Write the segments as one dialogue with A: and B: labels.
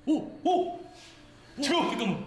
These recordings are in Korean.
A: 오! 잠깐만.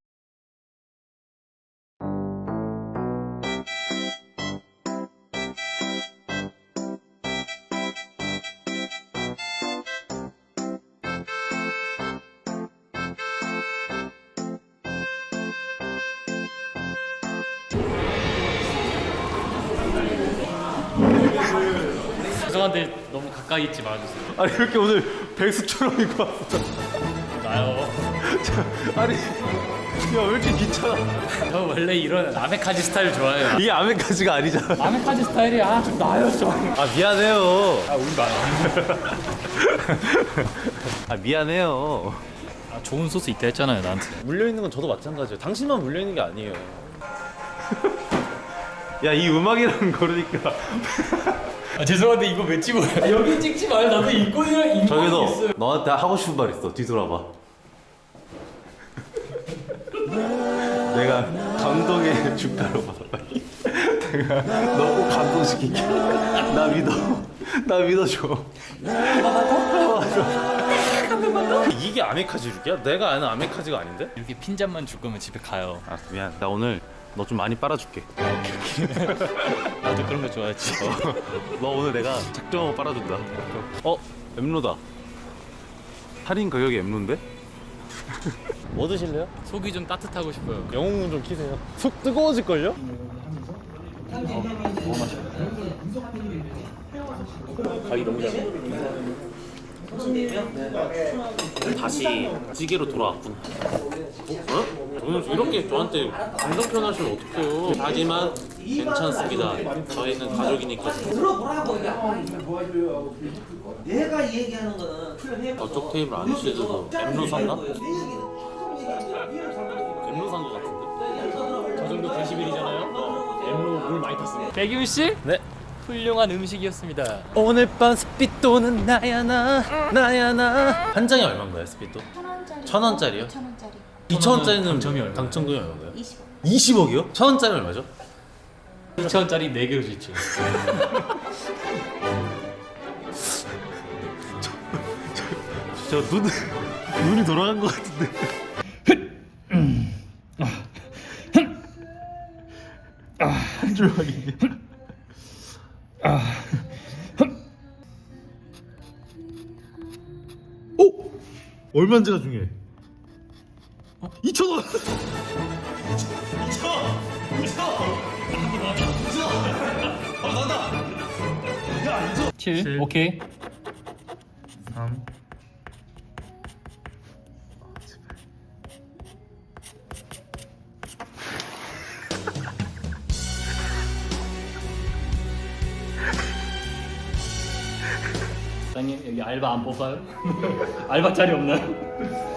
A: 죄송한데 너무 가까이 있지 말아주세요.
B: 아니 이렇게 오늘 백수처럼 입고 왔어.
A: 나요.
B: 아니 야 왜 이렇게 귀찮아?
A: 저 원래 이런 아메카지 스타일 좋아해요.
B: 이게 아메까지가 아니잖아.
A: 아메카지 스타일이 좀 나요 좀.
B: 아 미안해요.
A: 우리 마요.
B: 아 미안해요.
A: 좋은 소스 있다 했잖아요 나한테.
B: 물려 있는 건 저도 마찬가지예요. 당신만 물려 있는 게 아니에요. 야 이 음악이라는 거르니까.
A: 죄송한데 이거 왜 찍어요? 여기 찍지 마요. 나도 인권이랑
B: 저기서
A: 있어요.
B: 너한테 하고 싶은 말 있어. 뒤돌아봐. 내가 감동의 주가로 받아봐. 내가 너 꼭 감동시킬게. 나 믿어. 나 믿어줘. 이게 아메카지 줄게야? 내가 아는 아메카지가 아닌데?
A: 이렇게 핀잔만 줄 거면 집에 가요.
B: 아 미안. 나 오늘 너 좀 많이 빨아줄게.
A: 나도 그런 거 좋아하지.
B: 너 오늘 내가 작정하고 빨아준다. 엠로다. 할인 가격이 엠로인데? 뭐 드실래요?
A: 속이 좀 따뜻하고 싶어요.
B: 영웅문 좀 키세요. 속 뜨거워질걸요?
A: 가기 너무 잘.
B: 다시 찌개로 돌아왔구나. 어? 저는 이렇게 저한테 감정 표현하시면 어떡해요. 하지만 괜찮습니다. 저희는 가족이니까.
C: 들어보라고. 내가 얘기하는 거는
B: 저쪽 테이블 안 쓰셔도 엠로 산가? 엠로 산거 같은데?
A: 저 정도 데시벨이잖아요. 엠로 물 많이 탔습니다. 백윤 씨?
B: 네.
A: 훌륭한 음식이었습니다.
B: 오늘 밤 스피또는 나야 한 장이 얼마인가요 스피또?
D: 1,000원짜리.
B: 1,000원짜리요?
D: 2,000원짜리.
B: 2,000원짜리는
A: 당첨이 얼마예요?
B: 당첨금이 얼마인가요?
D: 20원.
B: 20억이요? 1,000원짜리 얼마죠?
A: 2,000원짜리 4개로 주죠.
B: 저 눈이 돌아간 것 같은데. 한 줄 확인. 오! 얼마인지가 중요해. 2,000원!
A: 7. 오케이.
B: 3.
A: 사장님 여기 알바 안 뽑아요? 알바 자리 없나요?